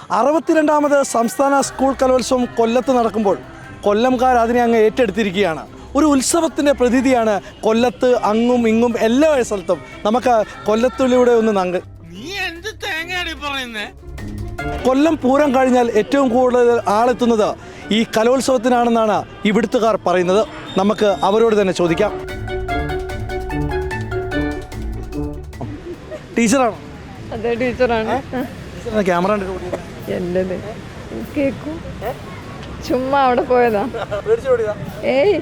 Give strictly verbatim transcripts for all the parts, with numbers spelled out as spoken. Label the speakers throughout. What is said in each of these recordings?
Speaker 1: അറുപത്തിരണ്ടാമത് സംസ്ഥാന സ്കൂൾ കലോത്സവം കൊല്ലത്ത് നടക്കുമ്പോൾ കൊല്ലംകാർ അതിനെ അങ്ങ് ഏറ്റെടുത്തിരിക്കുകയാണ്. ഒരു ഉത്സവത്തിൻ്റെ പ്രതീതിയാണ് കൊല്ലത്ത് അങ്ങും ഇങ്ങും എല്ലാ സ്ഥലത്തും. നമുക്ക് കൊല്ലത്തിലൂടെ ഒന്ന് നങ്ക. കൊല്ലം പൂരം കഴിഞ്ഞാൽ ഏറ്റവും കൂടുതൽ ആളെത്തുന്നത് ഈ കലോത്സവത്തിനാണെന്നാണ് ഇവിടുത്തുകാർ പറയുന്നത്. നമുക്ക് അവരോട് തന്നെ ചോദിക്കാം. ടീച്ചറാണോ?
Speaker 2: അതെ, ടീച്ചറാണ്.
Speaker 1: ക്യാമറ
Speaker 2: എല്ലത് കേക്കും ചുമ്മാ അവിടെ പോയതാ. ഏയ്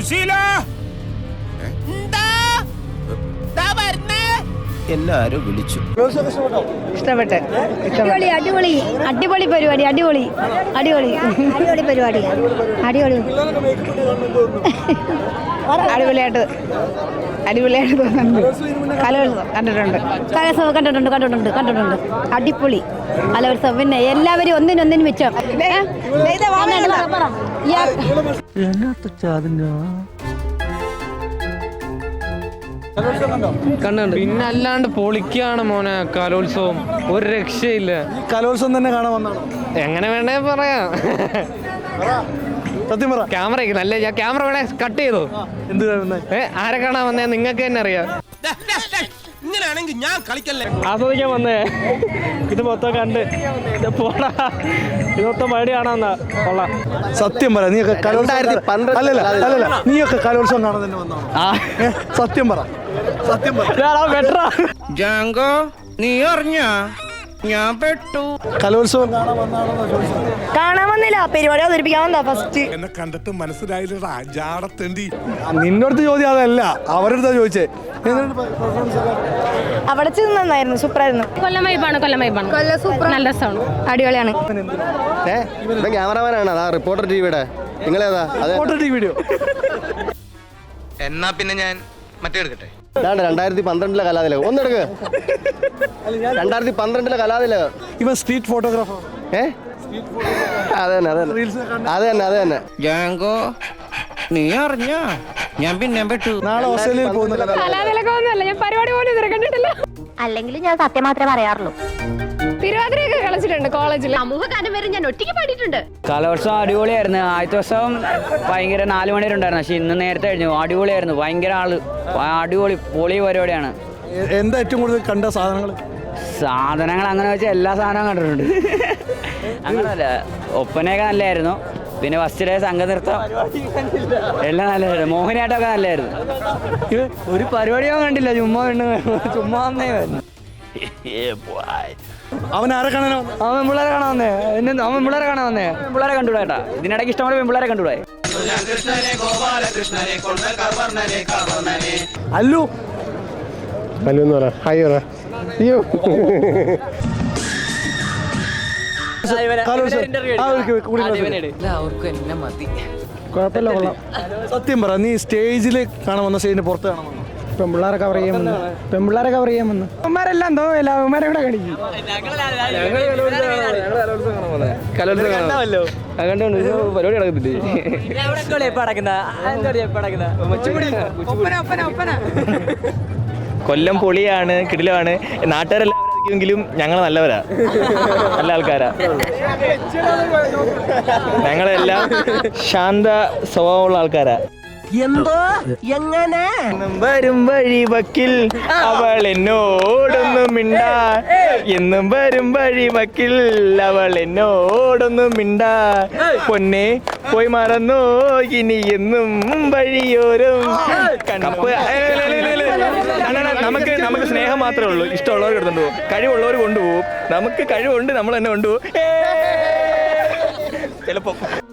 Speaker 3: എല്ലാരും വിളിച്ചു.
Speaker 2: ഇഷ്ടപ്പെട്ടെ
Speaker 4: അടിപൊളി അടിപൊളി അടിപൊളി പരിപാടി അടിപൊളി അടിപൊളി അടിപൊളി പരിപാടി അടിപൊളി
Speaker 2: അടിപൊളിയായിട്ട് അടിപൊളിയായിട്ട് തോന്നുന്നുണ്ട്. കലോത്സവം കണ്ടിട്ടുണ്ട്
Speaker 4: കലോത്സവം കണ്ടിട്ടുണ്ട് കണ്ടിട്ടുണ്ട് കണ്ടിട്ടുണ്ട് അടിപൊളി കലോത്സവം. പിന്നെ എല്ലാവരും ഒന്നിനൊന്നിനും വെച്ചോ.
Speaker 5: കണ്ടുണ്ട്. പിന്നെ അല്ലാണ്ട് പൊളിക്കാണ് മോനെ കലോത്സവം, ഒരു രക്ഷയില്ല.
Speaker 1: കലോത്സവം തന്നെ കാണാൻ വന്നാണോ?
Speaker 5: എങ്ങനെ വേണേ പറയാം.
Speaker 1: സത്യം പറ.
Speaker 5: ക്യാമറ നല്ല ഞാൻ ക്യാമറ വേണേ കട്ട് ചെയ്തോ.
Speaker 1: എന്ത്
Speaker 5: ഏ ആരെ കാണാൻ വന്നേ? നിങ്ങൾക്ക് തന്നെ അറിയാം.
Speaker 3: ഇങ്ങനെയാണെങ്കിൽ ഞാൻ കളിക്കല്ലേ.
Speaker 5: ആസ്വദിക്കാൻ വന്നേ. ഇത് മൊത്തം കണ്ട് പോടാ. ഇത് മൊത്തം മഴ കാണാന്നാ. കൊള്ളാം.
Speaker 1: സത്യം പറ. നീയൊക്കെ കലോത്സവം അല്ലല്ല അല്ലല്ല നീയൊക്കെ കലോത്സവം കാണാൻ തന്നെ വന്നാണോ? സത്യം പറ. സത്യം പറ.
Speaker 3: ജാങ്കോ, നീ അറിഞ്ഞ ഞാൻ പെട്ടു.
Speaker 1: കലോത്സവം കാണാൻ വന്നാണോ?
Speaker 4: കാണാൻ വന്നില്ല, പരിപാടി അവതരിപ്പിക്കാൻ വന്നാ ഫസ്റ്റ്.
Speaker 6: എന്നെ കണ്ടിട്ട് മനസ്സിലായില്ലടാ ജാടത്തേണ്ടി.
Speaker 1: നിന്നോടത്ത് ചോദ്യം അതല്ല, അവരുടെ ചോദിച്ചേ.
Speaker 4: അവിടെ ചെന്ന് നന്നായിരുന്നു, സൂപ്പറായിരുന്നു.
Speaker 2: കൊല്ലം വൈബാണ്. കൊല്ലം വൈബാണ്. കൊല്ലം സൂപ്പർ, നല്ല രസമാണ്, അടിപൊളിയാണ്.
Speaker 3: ക്യാമറമാനാണ് അതാ റിപ്പോർട്ടർ ടിവിയുടെ. നിങ്ങളേതാ?
Speaker 1: വീഡിയോ.
Speaker 3: എന്നാ പിന്നെ ഞാൻ മറ്റേ എടുക്കട്ടെ. രണ്ടായിരത്തി പന്ത്രണ്ടിലെ കലാതിലകം ഒന്നെടുക്ക്. രണ്ടായിരത്തി പന്ത്രണ്ടിലെ കലാതിലകം.
Speaker 1: ഇവൻ സ്ട്രീറ്റ് ഫോട്ടോഗ്രാഫർ.
Speaker 3: ഏ അതെ തന്നെ അതെ അതെ തന്നെ അതെ തന്നെ. ജാങ്കോ, നീ അറിഞ്ഞ ഞാൻ പിന്നെ പെട്ടു.
Speaker 1: നാളെ ഓസ്ട്രേലിയയിൽ പോകുന്ന
Speaker 2: കലാതിലകമൊന്നുമല്ല, ഞാൻ പരിപാടി പോലും ഇതുവരെ കണ്ടിട്ടില്ല.
Speaker 4: അല്ലെങ്കിൽ ഞാൻ സത്യം മാത്രമേ പറയാറുള്ളൂ.
Speaker 2: തിരുവാതിരയൊക്കെ കളിച്ചിട്ടുണ്ട് കോളേജിൽ.
Speaker 4: സമൂഹഗാനം വരെ ഞാൻ ഒറ്റയ്ക്ക് പാടിയിട്ടുണ്ട്.
Speaker 7: കലോത്സവം അടിപൊളിയായിരുന്നു. ആദ്യത്തെ ദിവസം ഭയങ്കര നാല് മണി വരെ ഉണ്ടായിരുന്നു, പക്ഷെ ഇന്ന് നേരത്തെ കഴിഞ്ഞു. അടിപൊളിയായിരുന്നു, ഭയങ്കര ആള്, അടിപൊളി പൊളി പരിപാടിയാണ്.
Speaker 1: എന്താ ഏറ്റവും കൂടുതൽ കണ്ട സാധനങ്ങൾ?
Speaker 7: സാധനങ്ങൾ അങ്ങനെ വെച്ചാൽ എല്ലാ സാധനവും കണ്ടിട്ടുണ്ട്. അങ്ങനല്ല, ഒപ്പനയൊക്കെ നല്ലതായിരുന്നു. പിന്നെ ഫസ്റ്റ് ഡേ സംഘനൃത്തം എല്ലാം നല്ലതായിരുന്നു. മോഹിനിയാട്ടമൊക്കെ നല്ലതായിരുന്നു. ഒരു പരിപാടിയോ കണ്ടില്ല, ചുമ്മാ ചുമ്മാ വന്നേ.
Speaker 1: അവൻ ആരെ കാണാനോ?
Speaker 7: അവൻ പെമ്പിള്ളേരെ കാണാൻ വന്നേ. എന്നെ അവൻ പെമ്പിള്ളേരെ കാണാൻ വന്നേ. പെമ്പിള്ളേരെ കണ്ടുകൂടാ ഏട്ടാ. ഇതിനിടയ്ക്ക് ഇഷ്ടംപോലെ പെമ്പിള്ളേരെ കണ്ടുകൂടാ.
Speaker 1: അല്ലു
Speaker 5: അല്ലു എന്ന് പറ. ഹായ് പറ. അയ്യോ,
Speaker 1: കുഴപ്പമില്ല, കൊള്ളാം. സത്യം പറ, നീ സ്റ്റേജിൽ കാണാൻ വന്ന സ്റ്റേജിന് പുറത്ത് കാണാൻ വന്നോ?
Speaker 5: പെമ്പിള്ളേരെ കവർ ചെയ്യാമെന്ന് പെമ്പിള്ളേരെ കവർ ചെയ്യാമെന്ന് അവന്മാരെല്ലാം തോന്നില്ല. അവന്മാരെ ഇവിടെ കളിക്കും. കലോത്സവം കാണാമല്ലോ. അതുകൊണ്ട് പരിപാടി നടക്കുന്നില്ലേ. കൊല്ലം പൊളിയാണ്, കിടിലമാണ്. നാട്ടുകാരെല്ലാം െങ്കിലും ഞങ്ങൾ നല്ലവരാ, നല്ല ആൾക്കാരാ. ഞങ്ങളെല്ലാം ശാന്ത സ്വഭാവമുള്ള ആൾക്കാരാ.
Speaker 3: എന്തോ എങ്ങനെ
Speaker 5: വരും വഴി വക്കിൽ അവൾ എന്നോടൊന്നും മിണ്ടാ. എന്നും വരും വഴി വക്കിൽ അവൾ എന്നോടൊന്നും മിണ്ടാ. പൊന്നെ പോയി മറന്നോ ഇനി എന്നും വഴിയോരം. നമുക്ക് നമുക്ക് സ്നേഹം മാത്രമേ ഉള്ളൂ. ഇഷ്ടമുള്ളവർ എടുത്തോണ്ട് പോകും, കഴിവുള്ളവർ കൊണ്ടുപോകും. നമുക്ക് കഴിവുണ്ട്, നമ്മൾ തന്നെ കൊണ്ടുപോകും ചിലപ്പോ.